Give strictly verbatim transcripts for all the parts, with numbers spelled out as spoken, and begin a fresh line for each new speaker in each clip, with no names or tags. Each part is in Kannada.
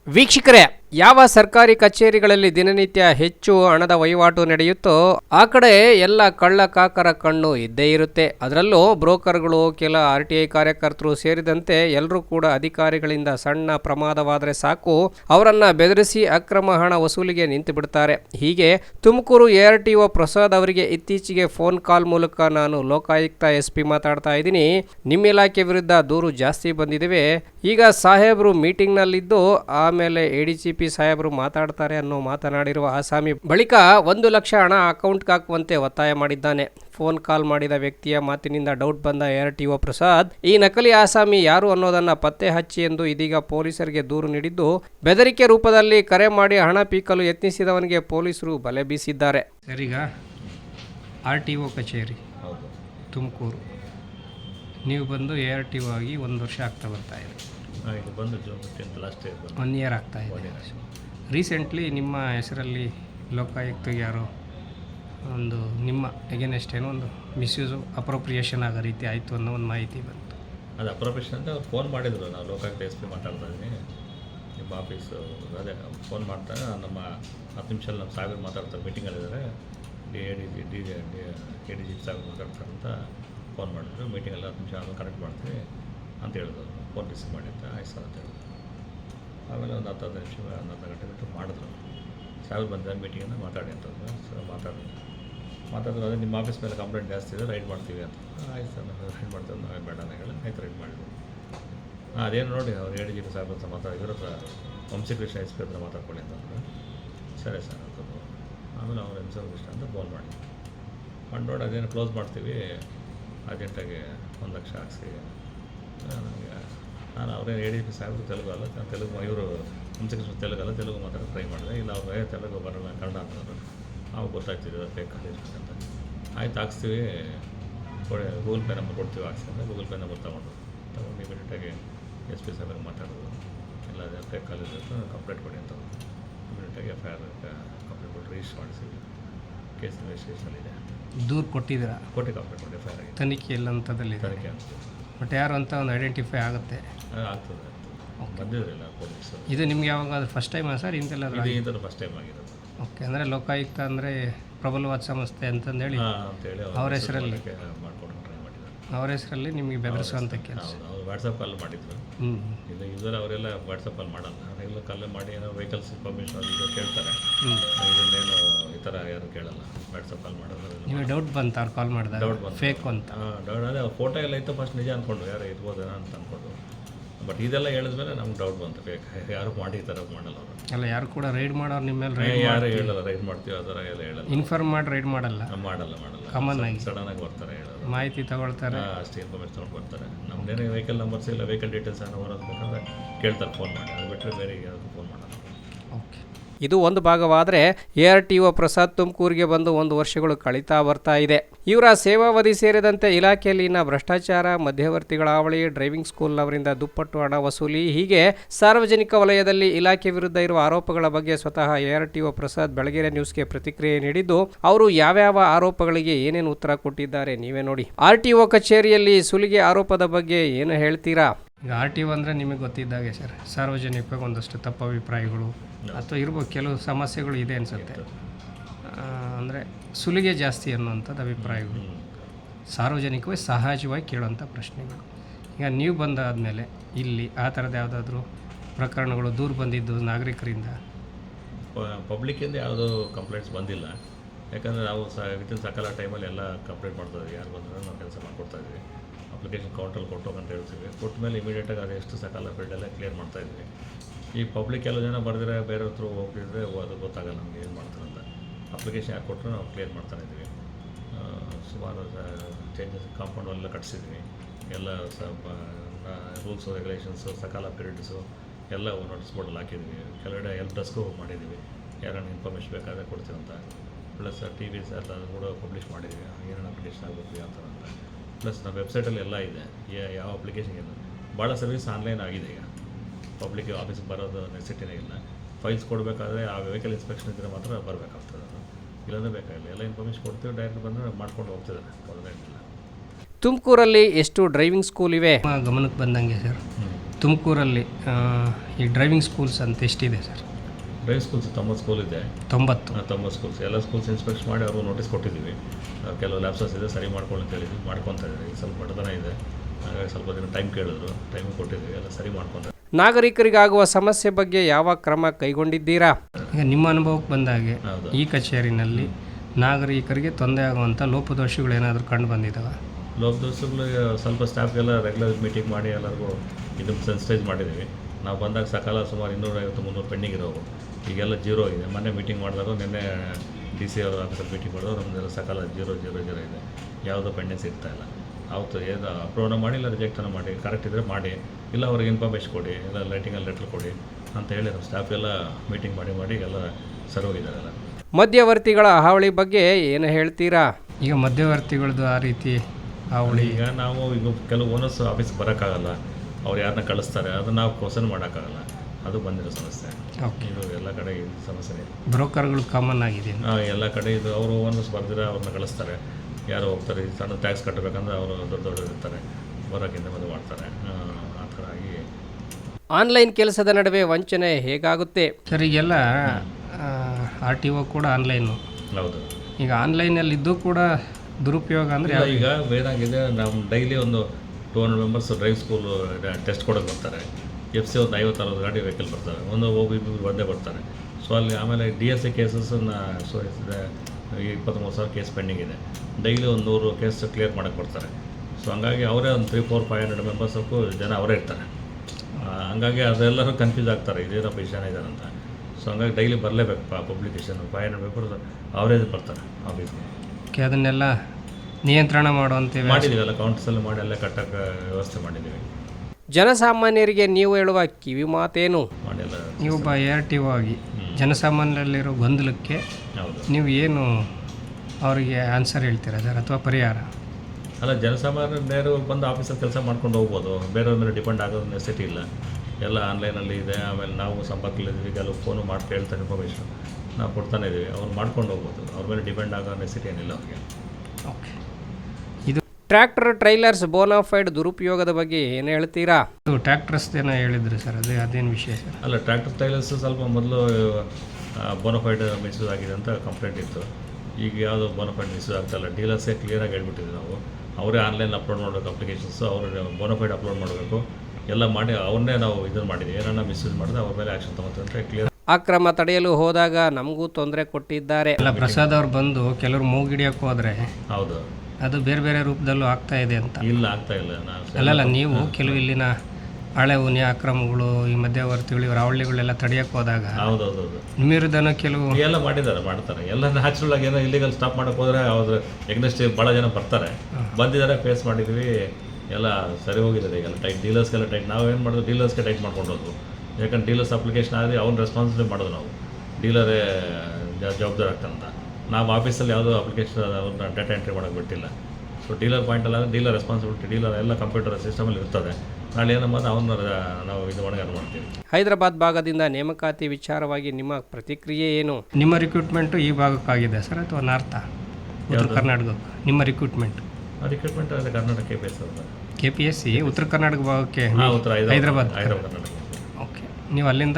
ವೀಕ್ಷಕರೇ, ಯಾವ ಸರ್ಕಾರಿ ಕಚೇರಿಗಳಲ್ಲಿ ದಿನನಿತ್ಯ ಹೆಚ್ಚು ಹಣದ ವಹಿವಾಟು ನಡೆಯುತ್ತೋ ಆ ಕಡೆ ಎಲ್ಲ ಕಳ್ಳ ಕಾಕರ ಕಣ್ಣು ಇದ್ದೇ ಇರುತ್ತೆ. ಅದರಲ್ಲೂ ಬ್ರೋಕರ್ಗಳು, ಕೆಲ ಆರ್ ಟಿ ಐ ಕಾರ್ಯಕರ್ತರು ಸೇರಿದಂತೆ ಎಲ್ಲರೂ ಕೂಡ ಅಧಿಕಾರಿಗಳಿಂದ ಸಣ್ಣ ಪ್ರಮಾದವಾದರೆ ಸಾಕು ಅವರನ್ನ ಬೆದರಿಸಿ ಅಕ್ರಮ ಹಣ ವಸೂಲಿಗೆ ನಿಂತು ಬಿಡ್ತಾರೆ. ಹೀಗೆ Tumakuru A R T O Prasad ಅವರಿಗೆ ಇತ್ತೀಚೆಗೆ ಫೋನ್ ಕಾಲ್ ಮೂಲಕ ನಾನು ಲೋಕಾಯುಕ್ತ ಎಸ್ ಪಿ ಮಾತಾಡ್ತಾ ಇದ್ದೀನಿ, ನಿಮ್ಮ ಇಲಾಖೆ ವಿರುದ್ಧ ದೂರು ಜಾಸ್ತಿ ಬಂದಿದ್ದೇವೆ, ಈಗ ಸಾಹೇಬರು ಮೀಟಿಂಗ್ನಲ್ಲಿದ್ದು ಆಮೇಲೆ ಎ ಡಿ ಜಿ ಪಿ ಸಾಹೇಬರು ಮಾತಾಡ್ತಾರೆ ಅನ್ನೋ ಮಾತನಾಡಿರುವ ಆಸಾಮಿ ಬಳಿಕ ಒಂದು ಲಕ್ಷ ಹಣ ಅಕೌಂಟ್ಗೆ ಹಾಕುವಂತೆ ಒತ್ತಾಯ ಮಾಡಿದ್ದಾನೆ. ಫೋನ್ ಕಾಲ್ ಮಾಡಿದ ವ್ಯಕ್ತಿಯ ಮಾತಿನಿಂದ ಡೌಟ್ ಬಂದ A R T O Prasad ಈ ನಕಲಿ ಆಸಾಮಿ ಯಾರು ಅನ್ನೋದನ್ನ ಪತ್ತೆ ಹಚ್ಚಿ ಎಂದು ಇದೀಗ ಪೊಲೀಸರಿಗೆ ದೂರು ನೀಡಿದ್ದು, ಬೆದರಿಕೆ ರೂಪದಲ್ಲಿ ಕರೆ ಮಾಡಿ ಹಣ ಪೀಕಲು ಯತ್ನಿಸಿದವನಿಗೆ ಪೊಲೀಸರು ಬಲೆ ಬೀಸಿದ್ದಾರೆ. ಸರಿಗ ಆರ್ ಟಿ ಒ ಕಚೇರಿ ತುಮಕೂರು, ನೀವು ಬಂದು ಎ ಆರ್ ಟಿ ಒ ಆಗಿ ಒಂದು ವರ್ಷ ಆಗ್ತಾ ಬರ್ತಾ ಇದೆ.
ಬಂದು ಲಾಸ್ಟ್
ಒನ್ ಇಯರ್ ಆಗ್ತಾ ಇದೆ. ರೀಸೆಂಟ್ಲಿ ನಿಮ್ಮ ಹೆಸರಲ್ಲಿ ಲೋಕಾಯುಕ್ತಗೆ ಯಾರೋ ಒಂದು ನಿಮ್ಮ ಎಗೇನೆಸ್ಟ್ ಏನೋ ಒಂದು ಮಿಸ್ಯೂಸು ಅಪ್ರೋಪ್ರಿಯೇಷನ್ ಆಗೋ ರೀತಿ ಆಯಿತು ಅನ್ನೋ ಒಂದು ಮಾಹಿತಿ ಬಂತು.
ಅದು ಅಪ್ರೋಪ್ರಿಯೇಷನ್ ಅಂತ ಅವ್ರು ಫೋನ್ ಮಾಡಿದರು. ನಾವು ಲೋಕಾಯುಕ್ತ ಎಸ್ ಪಿ ಮಾತಾಡ್ತಾ ಇದ್ದೀನಿ, ನಿಮ್ಮ ಆಫೀಸು ಅದೇ ಫೋನ್ ಮಾಡ್ತಾರೆ. ನಮ್ಮ ಹತ್ತು ನಿಮಿಷದಲ್ಲಿ ನಮ್ಮ ಸಾಹೇಬರು ಮಾತಾಡ್ತಾರೆ, ಮೀಟಿಂಗಲ್ಲಿದ್ದಾರೆ, D A D D D A D G ಸಾಹೇಬರು ಮಾತಾಡ್ತಾರೆ ಅಂತ ಫೋನ್ ಮಾಡಿದ್ರು. ಮೀಟಿಂಗಲ್ಲಿ ಹತ್ತು ನಿಮಿಷ ಆಮೇಲೆ ಕನೆಕ್ಟ್ ಮಾಡ್ತೀವಿ ಅಂತ ಹೇಳಿದ್ರು. ಫೋನ್ ರಿಸೀವ್ ಮಾಡಿ ಅಂತ ಆಯ್ತು ಸರ್ ಅಂತ ಹೇಳಿದ್ರು. ಆಮೇಲೆ ಒಂದು ಹತ್ತು ಹತ್ತು ನಿಮಿಷ ಹನ್ನೊಂದು ಗಂಟೆ ಬಿಟ್ಟು ಮಾಡಿದ್ರು. ಸಾಹೇಬರು ಬಂದ ಮೀಟಿಂಗನ್ನು ಮಾತಾಡಿ ಅಂತಂದ್ರೆ ಸರ್ ಮಾತಾಡಿದ್ರು ಮಾತಾಡಿದ್ರು ಅದೇ ನಿಮ್ಮ ಆಫೀಸ್ ಮೇಲೆ ಕಂಪ್ಲೇಂಟ್ ಜಾಸ್ತಿ ಇದೆ, ರೈಡ್ ಮಾಡ್ತೀವಿ ಅಂತ. ಆಯ್ತು ಸರ್ ನಾವು ರೈಡ್ ಮಾಡ್ತೀವಿ, ನಾವೇ ಬೇಡ ಅಂತ ಹೇಳಿ ಆಯ್ತು ರೈಡ್ ಮಾಡಿದ್ವಿ. ಹಾಂ ಅದೇನು ನೋಡಿ ಅವ್ರು ಎ ಡಿ ಜಿ ಪಿ ಸಾಹೇಬ್ರ ಹತ್ರ ಮಾತಾಡಿ ಇವ್ರ ಹತ್ರ ವಂಶೀಕೃಷ್ಣ ಎಸ್ ಪಿ ಹತ್ರ ಮಾತಾಡ್ಕೊಳ್ಳಿ ಅಂತಂದ್ರೆ ಸರಿ ಸರ್ ಅಂತಂದು. ಆಮೇಲೆ ಅವ್ರು ವಂಶೀಕೃಷ್ಣ ಅಂತ ಫೋನ್ ಮಾಡಿ ಮಾಡಿ ನೋಡಿ ಅದೇನು ಕ್ಲೋಸ್ ಮಾಡ್ತೀವಿ, ಅರ್ಜೆಂಟಾಗಿ ಒಂದು ಲಕ್ಷ ಹಾಕ್ಸಿ ನನಗೆ. ನಾನು ಅವರೇ ಎ ಡಿ ಜಿ ಪಿ ಸಾಹೇಬರು ತೆಲುಗು ಅಲ್ಲ, ನಾನು ತೆಲುಗು, ಇವರು ವಂಶೀಕೃಷ್ಣ ತೆಲುಗು ಅಲ್ಲ, ತೆಲುಗು ಮಾತಾಡೋದು ಟ್ರೈ ಮಾಡಿದೆ. ಇಲ್ಲ ಅವ್ರು ಏ ತೆಲುಗು ಬರೋಲ್ಲ ಕನ್ನಡ ಅಂತಂದ್ರು. ನಾವು ಗೊತ್ತಾಗ್ತಿದ್ದೀವಿ ಫೇಕ್ ಕಾಲೇಜ್ ಅಂತ. ಆಯ್ತು ಹಾಕ್ಸ್ತೀವಿ, ಕೊಡಿ ಗೂಗಲ್ ಪೇ ನಂಬರ್ ಕೊಡ್ತೀವಿ ಹಾಕ್ಸಿ ಅಂದರೆ ಗೂಗಲ್ ಪೇ ನಂಬರ್ ತೊಗೊಂಡು ತೊಗೊಂಡು ಇಮಿಡಿಯೇಟಾಗಿ ಎಸ್ ಪಿ ಸಾಹೇಬ್ರಿಗೆ ಮಾತಾಡೋದು, ಇಲ್ಲ ಅದೇ ಫೇಕ್ ಕಾಲೇಜ್ ಅಂತ ಕಂಪ್ಲೇಂಟ್ ಕೊಡಿ ಅಂತ. ಇಮಿಡಿಯೇಟಾಗಿ ಎಫ್ ಐ ಆರ್ ಕಂಪ್ಲೇಂಟ್ ಕೊಟ್ಟು ರಿಜಿಸ್ಟರ್ ಮಾಡಿಸಿದ್ವಿ. ಕೇಸ್ ರಿಜಿಸ್ಟ್ರೇಷನಲ್ಲಿದೆ.
ದೂರು ಕೊಟ್ಟಿದ್ದೀರಾ?
ಕೊಟ್ಟು ಕಂಪ್ಲೇಂಟ್ ಕೊಡಿ ಎಫ್ ಐ ಆರ್
ತನಿಖೆ ಎಲ್ಲ ಹಂತದಲ್ಲಿ
ತನಿಖೆ ಆಗ್ತದೆ.
ಬಟ್ ಯಾರು ಅಂತ ಒಂದು ಐಡೆಂಟಿಫೈ ಆಗುತ್ತೆ.
ಆಗ್ತದೆ ಬಂದಿದ್ರಿಲ್ಲ ಪೊಲೀಸರು.
ಇದು ನಿಮ್ಗೆ ಯಾವಾಗಾದ್ರೂ ಫಸ್ಟ್ ಟೈಮಾ ಸರ್? ಇಂತೆಲ್ಲ
ಇದು ಈ ಥರ ಫಸ್ಟ್ ಟೈಮ್ ಆಗಿರೋದು.
ಓಕೆ, ಅಂದರೆ ಲೋಕಾಯುಕ್ತ ಅಂದರೆ ಪ್ರಬಲವಾದ ಸಂಸ್ಥೆ ಅಂತಂದೇಳಿ
ಅಂತೇಳಿ
ಅವ್ರ ಹೆಸರಲ್ಲಿ
ಮಾಡ್ಕೊಂಡು ಟ್ರೈ ಮಾಡಿದ್ದಾರೆ.
ಅವ್ರ ಹೆಸರಲ್ಲಿ ನಿಮಗೆ ಬೆದರಿಸುವಂಥ ಕೆಲಸ.
ಅವ್ರು ವಾಟ್ಸಪ್ ಕಾಲ್ ಮಾಡಿದ್ರು.
ಹ್ಞೂ
ಇಲ್ಲ ಯೂಸರ್ ಅವರೆಲ್ಲ ವಾಟ್ಸಪ್ ಕಾಲ್ ಮಾಡಲ್ಲ, ಅವರೆಲ್ಲ ಕಾಲ್ ಮಾಡಿ ಏನೋ ವೆಹಿಕಲ್ಸ್ ಇನ್ಫಾರ್ಮೇಷನ್ ಅದು ಇದು ಕೇಳ್ತಾರೆ.
ಹ್ಞೂ
ಇದನ್ನೇನು ಈ ಥರ ಯಾರು ಕೇಳಲ್ಲ, ವಾಟ್ಸಪ್ ಕಾಲ್ ಮಾಡೋದು.
ನಿಮಗೆ ಡೌಟ್ ಬಂತು ಅವ್ರು ಕಾಲ್ ಮಾಡಿದಾಗ
ಡೌಟ್ ಬಂತು,
ಫೇಕ್ ಅಂತ?
ಹಾಂ ಡೌಟ್. ಅದೇ ಅವ್ರ ಫೋಟೋ ಎಲ್ಲ ಇತ್ತು, ಫಸ್ಟ್ ನಿಜ ಅಂದ್ಕೊಂಡು ಯಾರು ಇರ್ಬೋದೇನೋ ಅಂತ ಅಂದ್ಕೊಂಡು. ಬಟ್ ಇದೆಲ್ಲ ಹೇಳಿದ್ಮೇಲೆ ನಮ್ಗೆ ಡೌಟ್ ಬಂತು, ಫೇಕ್ ಯಾರು ಮಾಡಿ ಈ ಥರ ಮಾಡಲ್ಲ ಅವರು.
ಅಲ್ಲ, ಯಾರು ಕೂಡ ರೈಡ್ ಮಾಡೋರು ನಿಮ್ಮ ಮೇಲೆ ರೈಡ್
ಯಾರು ಹೇಳಲ್ಲ, ರೈಡ್ ಮಾಡ್ತೀವಿ ಆ ಥರ ಎಲ್ಲ ಹೇಳಲ್ಲ.
ಇನ್ಫಾರ್ಮ್ ಮಾಡಿ ರೈಡ್ ಮಾಡಲ್ಲ
ಮಾಡಲ್ಲ ಮಾಡಲ್ಲ
ಕಾಮನ್ ಆಗಿ
ಸಡನ್ ಆಗಿ ಬರ್ತಾರೆ ಹೇಳೋದು,
ಮಾಹಿತಿ ತಗೊಳ್ತಾರೆ,
ಅಷ್ಟೇ ಇನ್ಫಾರ್ಮೇಷನ್ ತೊಗೊಂಡು ಬರ್ತಾರೆ. ನಮ್ಮದೇನೇ ವೆಹಿಕಲ್ ನಂಬರ್ಸ್ ಇಲ್ಲ, ವೆಹಿಕಲ್ ಡೀಟೇಲ್ಸ್ ಏನೋ ಬರೋದು ಬೇಕಾದ್ರೆ ಕೇಳ್ತಾರೆ ಫೋನ್ ಮಾಡಿ, ಅದು ಬಿಟ್ಟರೆ ಬೇರೆ ಯಾವುದು ಫೋನ್ ಮಾಡಲ್ಲ.
ಓಕೆ, ಇದು ಒಂದು ಭಾಗವಾದರೆ A R T O Prasad ತುಮಕೂರಿಗೆ ಬಂದು ಒಂದು ವರ್ಷಗಳು ಕಳೀತಾ ಬರ್ತಾ ಇದೆ. ಇವರ ಸೇವಾವಧಿ ಸೇರಿದಂತೆ ಇಲಾಖೆಯಲ್ಲಿನ ಭ್ರಷ್ಟಾಚಾರ, ಮಧ್ಯವರ್ತಿಗಳ ಹಾವಳಿ, ಡ್ರೈವಿಂಗ್ ಸ್ಕೂಲ್ನವರಿಂದ ದುಪ್ಪಟ್ಟು ಹಣ ವಸೂಲಿ, ಹೀಗೆ ಸಾರ್ವಜನಿಕ ವಲಯದಲ್ಲಿ ಇಲಾಖೆ ವಿರುದ್ಧ ಇರುವ ಆರೋಪಗಳ ಬಗ್ಗೆ ಸ್ವತಃ A R T O Prasad Belagere ನ್ಯೂಸ್ಗೆ ಪ್ರತಿಕ್ರಿಯೆ ನೀಡಿದ್ದು, ಅವರು ಯಾವ್ಯಾವ ಆರೋಪಗಳಿಗೆ ಏನೇನು ಉತ್ತರ ಕೊಟ್ಟಿದ್ದಾರೆ ನೀವೇ ನೋಡಿ. ಆರ್ ಟಿ ಒ ಕಚೇರಿಯಲ್ಲಿ ಸುಲಿಗೆ ಆರೋಪದ ಬಗ್ಗೆ ಏನು ಹೇಳ್ತೀರಾ? ಈಗ ಆರ್ ಟಿ ಒ ಅಂದರೆ ನಿಮಗೆ ಗೊತ್ತಿದ್ದಾಗೆ ಸರ್, ಸಾರ್ವಜನಿಕವಾಗಿ ಒಂದಷ್ಟು ತಪ್ಪು ಅಭಿಪ್ರಾಯಗಳು ಅಥವಾ ಇರ್ಬೋದು, ಕೆಲವು ಸಮಸ್ಯೆಗಳು ಇದೆ ಅನಿಸುತ್ತೆ. ಅಂದರೆ ಸುಲಿಗೆ ಜಾಸ್ತಿ ಅನ್ನುವಂಥದ್ದು ಅಭಿಪ್ರಾಯಗಳು, ಸಾರ್ವಜನಿಕವಾಗಿ ಸಹಜವಾಗಿ ಕೇಳುವಂಥ ಪ್ರಶ್ನೆಗಳು. ಈಗ ನೀವು ಬಂದಾದಮೇಲೆ ಇಲ್ಲಿ ಆ ಥರದ್ದು ಯಾವುದಾದ್ರೂ ಪ್ರಕರಣಗಳು ದೂರು ಬಂದಿದ್ದು ನಾಗರಿಕರಿಂದ?
ಪಬ್ಲಿಕ್ಕಿಂದ ಯಾವುದೋ ಕಂಪ್ಲೇಂಟ್ಸ್ ಬಂದಿಲ್ಲ, ಯಾಕಂದರೆ ನಾವು ಸ ವಿತಿನ್ ಸಕಾಲ ಟೈಮಲ್ಲಿ ಎಲ್ಲ ಕಂಪ್ಲೇಂಟ್ ಮಾಡ್ತಾಯಿದ್ವಿ. ಯಾರು ಬಂದರೂ ನಾವು ಕೆಲಸ ಮಾಡ್ಕೊಡ್ತಾಯಿದ್ವಿ. ಅಪ್ಲಿಕೇಶನ್ ಕೌಂಟ್ರಲ್ಲಿ ಕೊಟ್ಟೋಗಿ ಅಂತ ಹೇಳ್ತೀವಿ, ಕೊಟ್ಟ ಮೇಲೆ ಇಮಿಡಿಯೇಟಾಗಿ ಅದು ಎಷ್ಟು ಸಕಾಲ ಫೀಲ್ಡೆಲ್ಲ ಕ್ಲಿಯರ್ ಮಾಡ್ತಾಯಿದ್ವಿ. ಈ ಪಬ್ಲಿಕ್ ಕೆಲವು ಜನ ಬರೆದಿರೋ ಬೇರೆ ಹತ್ರ ಹೋಗಿದ್ರೆ ಅದು ಗೊತ್ತಾಗಲ್ಲ ನಮಗೆ ಏನು ಮಾಡ್ತಾರೆ ಅಂತ. ಅಪ್ಲಿಕೇಶನ್ ಯಾಕೆ ಕೊಟ್ಟರು ನಾವು ಕ್ಲಿಯರ್ ಮಾಡ್ತಾಯಿದ್ವಿ. ಸುಮಾರು ಚೇಂಜಸ್ ಕಾಂಪೌಂಡೆಲ್ಲ ಕಟ್ಸಿದ್ವಿ, ಎಲ್ಲ ಸ್ವಲ್ಪ ರೂಲ್ಸು ರೆಗ್ಯುಲೇಷನ್ಸು ಸಕಾಲ ಪೀರಿಯಡ್ಸು ಎಲ್ಲ ನೋಟಿಸ್ ಬೋರ್ಡಲ್ಲಿ ಹಾಕಿದ್ವಿ. ಕೆಲವೆಡೆ ಎಲ್ಪ್ ಡೆಸ್ಕು ಮಾಡಿದ್ವಿ, ಯಾರನ್ನ ಇನ್ಫಾರ್ಮೇಷನ್ ಬೇಕಾದರೆ ಕೊಡ್ತೀವಿ ಅಂತ. ಪ್ಲಸ್ ಟಿ ವಿಸ್ ಎಲ್ಲ ಕೂಡ ಪಬ್ಲಿಷ್ ಮಾಡಿದ್ವಿ, ಏನೇನು ಅಪ್ಲಿಕೇಶನ್ ಆಗಬೇಕು ಯಾವ ಥರ ಅಂತ. ಪ್ಲಸ್ ನಮ್ಮ ವೆಬ್ಸೈಟಲ್ಲಿ ಎಲ್ಲ ಇದೆ, ಯಾವ ಅಪ್ಲಿಕೇಶನ್ ಏನು. ಭಾಳ ಸರ್ವಿಸ್ ಆನ್ಲೈನ್ ಆಗಿದೆ ಈಗ, ಪಬ್ಲಿಕ್ ಆಫೀಸ್ಗೆ ಬರೋದು ನೆಸಿಟಿನೇ ಇಲ್ಲ. ಫೈಲ್ಸ್ ಕೊಡಬೇಕಾದ್ರೆ ಆ ವೆಹಿಕಲ್ ಇನ್ಸ್ಪೆಕ್ಷನ್ ಇದ್ದರೆ ಮಾತ್ರ ಬರಬೇಕಾಗ್ತದೆ, ಅದು ಇಲ್ಲಾಂದರೆ ಬೇಕಾಗಿಲ್ಲ. ಎಲ್ಲ ಇನ್ಫಾರ್ಮೇಷನ್ ಕೊಡ್ತೀವಿ, ಡೈರೆಕ್ಟ್ ಬಂದರೆ ಮಾಡ್ಕೊಂಡು ಹೋಗ್ತಿದ್ದಾರೆ, ತೊಂದರೆ ಇಲ್ಲ. ತುಮಕೂರಲ್ಲಿ ಎಷ್ಟು ಡ್ರೈವಿಂಗ್ ಸ್ಕೂಲ್ ಇವೆ?
ಗಮನಕ್ಕೆ ಬಂದಂಗೆ ಸರ್, ತುಮಕೂರಲ್ಲಿ ಈ ಡ್ರೈವಿಂಗ್ ಸ್ಕೂಲ್ಸ್ ಅಂತ ಎಷ್ಟಿದೆ ಸರ್?
ಡ್ರೈವ್ ಸ್ಕೂಲ್ಸ್ ತೊಂಬತ್ತು ಸ್ಕೂಲ್ ಇದೆ.
ತೊಂಬತ್ತು
ಹಾಂ ತೊಂಬತ್ತು ಸ್ಕೂಲ್ಸ್ ಎಲ್ಲ ಸ್ಕೂಲ್ಸ್ ಇನ್ಸ್ಪೆಕ್ಷನ್ ಮಾಡಿ ಅವರು ನೋಟಿಸ್ ಕೊಟ್ಟಿದ್ದೀವಿ. ಕೆಲವು ಲ್ಯಾಪ್ಸಸ್ ಇದೆ, ಸರಿ ಮಾಡ್ಕೊಳ್ಳಿ ಅಂತ ಹೇಳಿದ್ವಿ, ಮಾಡ್ಕೊತಾ ಇದ್ದಾರೆ. ಈಗ ಸ್ವಲ್ಪ ಬಡತನ ಇದೆ, ಹಾಗಾಗಿ ಸ್ವಲ್ಪ ದಿನ ಟೈಮ್ ಕೇಳಿದ್ರು, ಟೈಮ್ ಕೊಟ್ಟಿದ್ದೀವಿ, ಎಲ್ಲ ಸರಿ ಮಾಡ್ಕೊಂತಾರೆ.
ನಾಗರಿಕರಿಗಾಗುವ ಸಮಸ್ಯೆ ಬಗ್ಗೆ ಯಾವ ಕ್ರಮ ಕೈಗೊಂಡಿದ್ದೀರಾ? ಈಗ ನಿಮ್ಮ ಅನುಭವಕ್ಕೆ ಬಂದಾಗೆ ಈ ಕಚೇರಿನಲ್ಲಿ ನಾಗರಿಕರಿಗೆ ತೊಂದರೆ ಆಗುವಂಥ ಲೋಪದೋಷಗಳು ಏನಾದರೂ ಕಂಡು ಬಂದಿದ್ದಾವೆ?
ಲೋಪದೋಷಗಳು ಸ್ವಲ್ಪ ಸ್ಟಾಫ್ಗೆಲ್ಲ ರೆಗ್ಯುಲರ್ ಮೀಟಿಂಗ್ ಮಾಡಿ ಎಲ್ಲರಿಗೂ ಇದನ್ನು ಸೆನ್ಸಿಟೈಸ್ ಮಾಡಿದ್ದೀವಿ. ನಾವು ಬಂದಾಗ ಸಕಾಲ ಸುಮಾರು ಇನ್ನೂರೈವತ್ತು ಮುನ್ನೂರು ಪೆಂಡಿಂಗ್ ಇರೋವು, ಈಗೆಲ್ಲ ಜೀರೋ ಇದೆ. ಮೊನ್ನೆ ಮೀಟಿಂಗ್ ಮಾಡಿದಾಗ ನಿನ್ನೆ ಡಿ ಸಿ ಅವರು ಆಫೀಸಲ್ಲಿ ಮೀಟಿಂಗ್ ಮಾಡಿದ್ರು, ನಮ್ಮದೆಲ್ಲ ಸಕಾಲ ಜೀರೋ ಜೀರೋ ಜೀರೋ ಇದೆ, ಯಾವುದೋ ಪೆಂಡೆನ್ಸ್ ಇರ್ತಾಯಿಲ್ಲ. ಅವತ್ತು ಏನು ಅಪ್ರೂವ್ನ ಮಾಡಿ ಇಲ್ಲ ರಿಜೆಕ್ಟನ್ನು ಮಾಡಿ, ಕರೆಕ್ಟ್ ಇದ್ದರೆ ಮಾಡಿ, ಇಲ್ಲ ಅವ್ರಿಗೆ ಇನ್ಫಾರ್ಮೇಷನ್ ಕೊಡಿ, ಇಲ್ಲ ಲೈಟಿಂಗಲ್ಲಿ ಲೆಟ್ರ್ ಕೊಡಿ ಅಂತ ಹೇಳಿ ನಮ್ಮ ಸ್ಟಾಫ್ ಎಲ್ಲ ಮೀಟಿಂಗ್ ಮಾಡಿ ಮಾಡಿ ಎಲ್ಲ ಸರಿ ಹೋಗಿದ್ದಾರೆಲ್ಲ.
ಮಧ್ಯವರ್ತಿಗಳ ಹಾವಳಿ ಬಗ್ಗೆ ಏನು ಹೇಳ್ತೀರಾ? ಈಗ ಮಧ್ಯವರ್ತಿಗಳದ್ದು ಆ ರೀತಿ ಹಾವಳಿ,
ಈಗ ನಾವು ಈಗ ಕೆಲವು ಓನರ್ಸ್ ಆಫೀಸ್ಗೆ ಬರೋಕ್ಕಾಗಲ್ಲ, ಅವ್ರು ಯಾರನ್ನ ಕಳಿಸ್ತಾರೆ, ಅದನ್ನು ನಾವು ಕ್ವಶನ್ ಮಾಡೋಕ್ಕಾಗಲ್ಲ, ಅದು ಬಂದಿರೋ ಸಮಸ್ಯೆ. ಇದು ಎಲ್ಲ ಕಡೆ ಈ ಸಮಸ್ಯೆ.
ಬ್ರೋಕರ್ಗಳು ಕಾಮನ್ ಆಗಿದೆ.
ಹಾಂ, ಎಲ್ಲ ಕಡೆ ಇದು ಅವರು ಓನರ್ಸ್ ಬರ್ದಿರ ಅವ್ರನ್ನ ಕಳಿಸ್ತಾರೆ, ಯಾರು ಹೋಗ್ತಾರೆ, ಸಣ್ಣ ಟ್ಯಾಕ್ಸ್ ಕಟ್ಟಬೇಕಂದ್ರೆ ಅವರು ದೊಡ್ಡ ದೊಡ್ಡದು ಇರ್ತಾರೆ, ಬರೋಕ್ಕಿಂತ ಮದುವೆ ಮಾಡ್ತಾರೆ. ಆ ಥರ ಆಗಿ
ಆನ್ಲೈನ್ ಕೆಲಸದ ನಡುವೆ ವಂಚನೆ ಹೇಗಾಗುತ್ತೆ ಸರ್? ಈಗೆಲ್ಲ ಆರ್ ಟಿ ಒ ಕೂಡ ಆನ್ಲೈನು.
ಹೌದು,
ಈಗ ಆನ್ಲೈನಲ್ಲಿದ್ದು ಕೂಡ ದುರುಪಯೋಗ ಅಂದರೆ
ಈಗ ಏನಾಗಿದೆ, ನಾವು ಡೈಲಿ ಒಂದು two hundred members drive school test ಕೊಡೋಕೆ ಬರ್ತಾರೆ. ಎಫ್ ಸಿ ಒಂದು ಐವತ್ತು ಅರವತ್ತು ಗಾಡಿ ವೆಹಿಕಲ್ ಬರ್ತಾರೆ, ಒಂದು ಹೋಗಿ ಒಂದೇ ಬರ್ತಾರೆ. ಸೊ ಅಲ್ಲಿ ಆಮೇಲೆ ಡಿ ಎಸ್ ಎ ಕೇಸಸ್ಸನ್ನು ಸೊ ಇಪ್ಪತ್ತ್ಮೂರು ಸಾವಿರ ಕೇಸ್ ಪೆಂಡಿಂಗ್ ಇದೆ. ಡೈಲಿ ಒಂದು ನೂರು ಕೇಸ್ ಕ್ಲಿಯರ್ ಮಾಡೋಕ್ಕೆ ಬರ್ತಾರೆ. ಸೊ ಹಂಗಾಗಿ ಅವರೇ ಒಂದು ತ್ರೀ ಫೋರ್ ಫೈವ್ ಹಂಡ್ರೆಡ್ ಮೆಂಬರ್ಸಕ್ಕೂ ಜನ ಅವರೇ ಇರ್ತಾರೆ. ಹಂಗಾಗಿ ಅದೆಲ್ಲರೂ ಕನ್ಫ್ಯೂಸ್ ಆಗ್ತಾರೆ, ಇದೇನಪ್ಪ ಇಷ್ಟು ಜನ ಇದ್ದಾರೆ ಅಂತ. ಸೊ ಹಂಗಾಗಿ ಡೈಲಿ ಬರಲೇಬೇಕು ಪಬ್ಲಿಕೇಶನ್ ಫೈವ್ ಹಂಡ್ರೆಡ್ ಮೆಂಬರ್ಸ್ ಅವರೇ ಬರ್ತಾರೆ ಆಫೀಸ್ಗೆ.
ಓಕೆ, ಅದನ್ನೆಲ್ಲ ನಿಯಂತ್ರಣ ಮಾಡುವಂತೆ
ಮಾಡಿದ್ದೀವಲ್ಲ, ಕೌಂಟರ್ಸಲ್ಲಿ ಮಾಡಿ ಎಲ್ಲ ಕಟ್ಟಕ್ಕೆ ವ್ಯವಸ್ಥೆ ಮಾಡಿದ್ದೀವಿ.
ಜನಸಾಮಾನ್ಯರಿಗೆ ನೀವು ಹೇಳುವ ಕಿವಿ ಮಾತೇನು?
ಮಾಡಿಲ್ಲ,
ನೀವು ಒಬ್ಬ ಎ ಆರ್ ಟಿ ಒ ಆಗಿ ಜನಸಾಮಾನ್ಯರಲ್ಲಿರೋ ಗೊಂದಲಕ್ಕೆ ನೀವು ಏನು ಅವರಿಗೆ ಆನ್ಸರ್ ಹೇಳ್ತೀರಾ ಸರ್, ಅಥವಾ ಪರಿಹಾರ?
ಅಲ್ಲ, ಜನಸಾಮಾನ್ಯರು ನೇರವಾಗಿ ಬಂದು ಆಫೀಸಲ್ಲಿ ಕೆಲಸ ಮಾಡ್ಕೊಂಡು ಹೋಗ್ಬೋದು, ಬೇರೆಯವ್ರ ಮೇಲೆ ಡಿಪೆಂಡ್ ಆಗೋದು ನೆಸೆಸಿಟಿ ಇಲ್ಲ. ಎಲ್ಲ ಆನ್ಲೈನಲ್ಲಿ ಇದೆ. ಆಮೇಲೆ ನಾವು ಸಂಪರ್ಕದಲ್ಲಿದ್ದೀವಿ, ಕೆಲವು ಫೋನು ಮಾಡಿ ಕೇಳ್ತಾರೆ, ಇನ್ಫಾರ್ಮೇಷನ್ ನಾವು ಕೊಡ್ತಾನೆ ಇದ್ದೀವಿ, ಅವ್ರು ಮಾಡ್ಕೊಂಡು ಹೋಗ್ಬೋದು, ಅವ್ರ ಮೇಲೆ ಡಿಪೆಂಡ್ ಆಗೋ ನೆಸೆಸಿಟಿ ಏನಿಲ್ಲ ಅವ್ರಿಗೆ.
ಓಕೆ, ಇದು ಟ್ರ್ಯಾಕ್ಟರ್ ಟ್ರೈಲರ್ಸ್ ಬೋನಾಫೈಡ್ ದುರುಪಯೋಗದ ಬಗ್ಗೆ ಏನು ಹೇಳ್ತೀರಾ? ಇದು ಟ್ರ್ಯಾಕ್ಟರ್ಸ್ ಏನೋ ಹೇಳಿದ್ರು ಸರ್, ಅದು ಅದೇನು ವಿಷಯ ಸರ್?
ಅಲ್ಲ, ಟ್ರ್ಯಾಕ್ಟರ್ ಟ್ರೈಲರ್ಸ್ ಸ್ವಲ್ಪ ಮೊದಲು ಬೋನಾಫೈಡ್ ಮಿಸ್ಯೂಸ್ ಆಗಿದೆ ಅಂತ ಕಂಪ್ಲೇಂಟ್ ಇತ್ತು. ಈಗ ಯಾವುದೋ ಬೋನಾಫೈಡ್ ಮಿಸ್ಯೂಸ್ ಆಗ್ತಾಯಿಲ್ಲ, ಡೀಲರ್ಸೇ ಕ್ಲಿಯರಾಗಿ ಹೇಳ್ಬಿಟ್ಟಿದ್ವಿ ನಾವು. ಅವರೇ ಆನ್ಲೈನ್ ಅಪ್ಲೋಡ್ ಮಾಡಬೇಕು ಅಪ್ಲಿಕೇಶನ್ಸು, ಅವರು ಬೋನಾಫೈಡ್ ಅಪ್ಲೋಡ್ ಮಾಡಬೇಕು, ಎಲ್ಲ ಮಾಡಿ ಅವ್ರನ್ನೇ ನಾವು ಇದನ್ನು ಮಾಡಿದ್ವಿ. ಏನನ್ನ ಮಿಸ್ಯೂಸ್ ಮಾಡಿದ್ರೆ ಅವ್ರ ಮೇಲೆ ಆ್ಯಕ್ಷನ್ ತೊಗೊತಾರೆ ಕ್ಲಿಯರ್. ಅಕ್ರಮ
ತಡೆಯಲು ಹೋದಾಗ ನಮಗೂ ತೊಂದರೆ ಕೊಟ್ಟಿದ್ದಾರೆ. ಅಲ್ಲ, ಪ್ರಸಾದ್ ಅವ್ರು ಬಂದು ಕೆಲವರು ಮೂಗಿಡಿಯೋಕೆ ಹೋದರೆ
ಹೌದು,
ಅದು ಬೇರೆ ಬೇರೆ ರೂಪದಲ್ಲೂ ಆಗ್ತಾ ಇದೆ ಅಂತ.
ಇಲ್ಲ, ಆಗ್ತಾ ಇಲ್ಲ.
ಅಲ್ಲಲ್ಲ, ನೀವು ಕೆಲವು ಇಲ್ಲಿನ ಹಳೆ ಉನಿ ಅಕ್ರಮಗಳು, ಈ ಮಧ್ಯವರ್ತಿಗಳು, ಇವ್ರ ಅವಳಿಗಳೆಲ್ಲ ತಡೆಯೋಕೆ ಹೋದಾಗ
ಹೌದೌದು
ನಿಮ್ಮ ವಿರುದ್ಧನೂ ಕೆಲವು
ಎಲ್ಲ ಮಾಡಿದ್ದಾರೆ, ಮಾಡ್ತಾರೆ. ಎಲ್ಲ ನ್ಯಾಚುರಲ್ ಆಗಿ ಏನೋ ಇಲ್ಲಿಗಲ್ ಸ್ಟಾಪ್ ಮಾಡೋಕೆ ಹೋದರೆ ಅವ್ರು ಎಗ್ನೆಸ್ಟ್ ಭಾಳ ಜನ ಬರ್ತಾರೆ, ಬಂದಿದ್ದಾರೆ, ಫೇಸ್ ಮಾಡಿದ್ವಿ, ಎಲ್ಲ ಸರಿ ಹೋಗಿದ್ದಾರೆ. ಈಗೆಲ್ಲ ಟೈಟ್ ಡೀಲರ್ಸ್ಗೆಲ್ಲ ಟೈಟ್. ನಾವು ಏನು ಮಾಡೋದು, ಡೀಲರ್ಸ್ಗೆ ಟೈಟ್ ಮಾಡ್ಕೊಂಡು ಹೋದ್ವು. ಯಾಕಂದ್ರೆ ಡೀಲರ್ಸ್ ಅಪ್ಲಿಕೇಶನ್ ಆದರೆ ಅವ್ನ ರೆಸ್ಪಾನ್ಸಿಬಿಲಿಟಿ ಮಾಡೋದು ನಾವು, ಡೀಲರೇ ಜವಾಬ್ದಾರಿ ಆಗ್ತಂತ. ನಾವು ಆಫೀಸಲ್ಲಿ ಯಾವುದೋ ಅಪ್ಲಿಕೇಶನ್ ಅವ್ರನ್ನ ಡೇಟಾ ಎಂಟ್ರಿ ಮಾಡೋಕ್ಕೆ ಬಿಟ್ಟಿಲ್ಲ. ಸೊ ಡೀಲರ್ ಪಾಯಿಂಟಲ್ಲ, ಡೀಲರ್ ರೆಸ್ಪಾನ್ಸಿಬಿಲಿಟಿ, ಡೀಲರ್ ಎಲ್ಲ ಕಂಪ್ಯೂಟರ್ ಸಿಸ್ಟಮಲ್ಲಿ ಇರ್ತದೆ. ನಾಳೆ ಏನಮ್ಮ ಅವನ್ನ ನಾವು ಇದು ಒಣಗಾರ ಮಾಡ್ತೀವಿ.
ಹೈದರಾಬಾದ್ ಭಾಗದಿಂದ ನೇಮಕಾತಿ ವಿಚಾರವಾಗಿ ನಿಮ್ಮ ಪ್ರತಿಕ್ರಿಯೆ ಏನು? ನಿಮ್ಮ ರಿಕ್ರೂಟ್ಮೆಂಟು ಈ ಭಾಗಕ್ಕಾಗಿದೆ ಸರ್, ಅಥವಾ ನಾರ್ತಾ ಉತ್ತರ ಕರ್ನಾಟಕಕ್ಕೆ ನಿಮ್ಮ ರಿಕ್ರೂಟ್ಮೆಂಟ್?
ರಿಕ್ರೂಟ್ಮೆಂಟ್ ಅದೇ Karnataka K P S
K P S C ಉತ್ತರ ಕರ್ನಾಟಕ ಭಾಗಕ್ಕೆ,
ಉತ್ತರ
ಹೈದರಾಬಾದ್
ಹೈದರಾಬಾದ್ ಕರ್ನಾಟಕ.
ಓಕೆ, ನೀವು ಅಲ್ಲಿಂದ?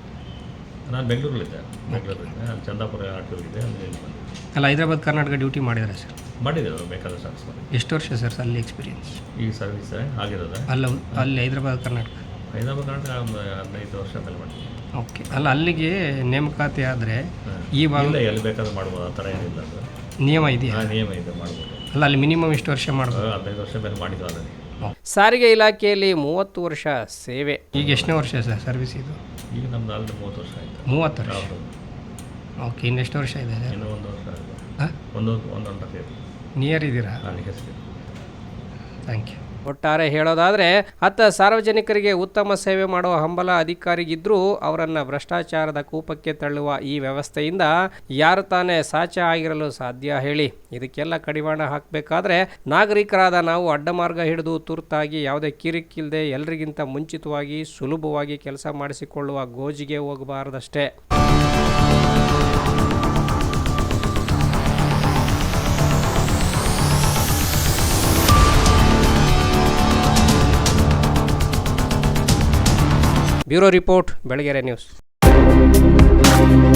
ನಾನು ಬೆಂಗಳೂರಲ್ಲಿದ್ದೆ, ಬೆಂಗಳೂರಲ್ಲಿದ್ದೆ, ಅಲ್ಲಿ ಚಂದಾಪುರ ಆಟೋ ಇದೆ, ಅಲ್ಲಿ ಬಂದೆ.
ಅಲ್ಲ, ಹೈದರಾಬಾದ್ ಕರ್ನಾಟಕ ಡ್ಯೂಟಿ ಮಾಡಿದ್ದಾರೆ ಸರ್?
ಮಾಡಿದ್ದೇವೆ, ಬೇಕಾದಷ್ಟು ಆಫೀಸ್ ಮಾಡಿ.
ಎಷ್ಟು ವರ್ಷ ಸರ್ ಅಲ್ಲಿ ಎಕ್ಸ್ಪೀರಿಯನ್ಸ್?
ಈ ಸರ್ವಿಸ್ ಆಗಿರೋದು
ಅಲ್ಲ, ಅಲ್ಲಿ ಹೈದರಾಬಾದ್ ಕರ್ನಾಟಕ
ಹೈದರಾಬಾದ್ ಕರ್ನಾಟಕ ಒಂದು ಹದಿನೈದು ವರ್ಷ ಮೇಲೆ ಮಾಡಿದ್ವಿ.
ಓಕೆ, ಅಲ್ಲ, ಅಲ್ಲಿಗೆ ನೇಮಕಾತಿ ಆದರೆ ಈ ಭಾಗ
ಎಲ್ಲಿ ಬೇಕಾದ್ರೂ ಮಾಡ್ಬೋದು, ಆ ಥರ ಏನಿಲ್ಲ. ಅದು
ನಿಯಮ ಇದೆಯಾ?
ನಿಯಮ ಇದೆ, ಮಾಡ್ಬೋದು.
ಅಲ್ಲ, ಅಲ್ಲಿ ಮಿನಿಮಮ್ ಎಷ್ಟು ವರ್ಷ ಮಾಡ್ಬೋದು?
ಹದಿನೈದು ವರ್ಷ ಮೇಲೆ ಮಾಡಿದ್ವಿ ಆಲ್ರೆಡಿ.
ಸಾರಿಗೆ ಇಲಾಖೆಯಲ್ಲಿ ಮೂವತ್ತು ವರ್ಷ ಸೇವೆ. ಈಗ ಎಷ್ಟನೇ ವರ್ಷ ಸರ್ ಸರ್ವಿಸ್ ಇದು?
ಈಗ ನಮ್ದು ಆಲ್ರೆಡಿ ಮೂವತ್ತು ವರ್ಷ ಆಯಿತು.
ಮೂವತ್ತು ವರ್ಷ? ಓಕೆ, ಇನ್ನೆಷ್ಟು ವರ್ಷ ಇದೆ?
ಇನ್ನೂ ಒಂದು ವರ್ಷ ಆಗಿದೆ. ಹಾಂ, ಒಂದು ಒಂದು ಗಂಟೆ
ನಿಯರ್ ಇದ್ದೀರಾ?
ನನಗೆ
ಥ್ಯಾಂಕ್ ಯು. ಒಟ್ಟಾರೆ ಹೇಳೋದಾದರೆ, ಅತ್ತ ಸಾರ್ವಜನಿಕರಿಗೆ ಉತ್ತಮ ಸೇವೆ ಮಾಡುವ ಹಂಬಲ ಅಧಿಕಾರಿಗಿದ್ದರೂ ಅವರನ್ನು ಭ್ರಷ್ಟಾಚಾರದ ಕೂಪಕ್ಕೆ ತಳ್ಳುವ ಈ ವ್ಯವಸ್ಥೆಯಿಂದ ಯಾರು ತಾನೇ ಸಾಚ ಆಗಿರಲು ಸಾಧ್ಯ ಹೇಳಿ? ಇದಕ್ಕೆಲ್ಲ ಕಡಿವಾಣ ಹಾಕಬೇಕಾದ್ರೆ ನಾಗರಿಕರಾದ ನಾವು ಅಡ್ಡಮಾರ್ಗ ಹಿಡಿದು ತುರ್ತಾಗಿ ಯಾವುದೇ ಕಿರಿಕಿಲ್ಲದೆ ಎಲ್ಲರಿಗಿಂತ ಮುಂಚಿತವಾಗಿ ಸುಲಭವಾಗಿ ಕೆಲಸ ಮಾಡಿಸಿಕೊಳ್ಳುವ ಗೋಜಿಗೆ ಹೋಗಬಾರದಷ್ಟೇ. Bureau report Belagere news.